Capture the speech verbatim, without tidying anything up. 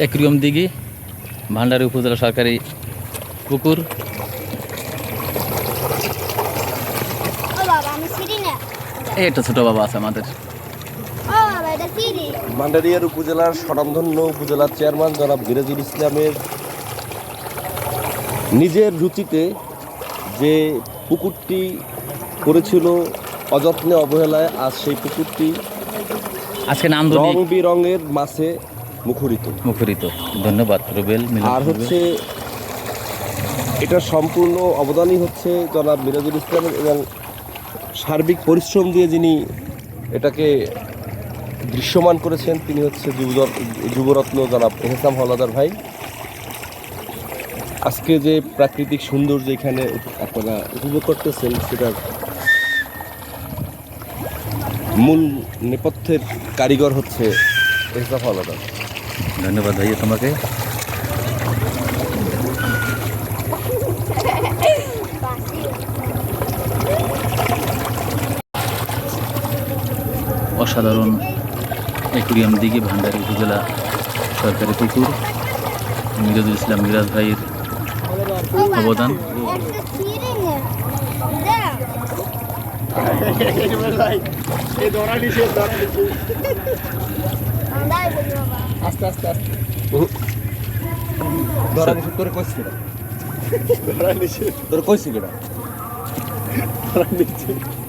Aquarium দিঘি, ভান্ডারী উপজেলা সরকারি পুকুর। এটা ছোট বাবা আছে আমাদের। ভান্ডারিয়ার উপজেলার স্বনামধন্য উপজেলার চেয়ারম্যান জনাব মিরাজুল ইসলামের নিজের রুচিতে যে পুকুরটি করেছিল অযত্নে অবহেলায়, আজ সেই পুকুরটি আজকে নাম রং বিরঙের মাছে মুখরিত মুখরিত। ধন্যবাদ রুবেল। আর হচ্ছে এটার সম্পূর্ণ অবদানই হচ্ছে জনাব মিরাজুল ইসলামের, এবং সার্বিক পরিশ্রম দিয়ে যিনি এটাকে দৃশ্যমান করেছেন তিনি হচ্ছে যুবরত্ন জনাব এহসাম হলাদার ভাই। আজকে যে প্রাকৃতিক সৌন্দর্য এখানে আপনারা উপভোগ করতেছেন সেটার মূল নেপথ্যের কারিগর হচ্ছে এহসাম হলাদার। ধন্যবাদ ভাইয়া তোমাকে। অসাধারণ অ্যাকুরিয়াম দিঘি, ভান্ডারী উপজেলা সরকারি পুকুর, মিরাজুল ইসলাম মিরাজ ভাইয়ের অবদান। আস্তে আস্তে আস্তে ধরা নিষেধ করে কইছি কেডা? ধরা নিষেধ তোর কইছি কেডা? ধরা নিষেধ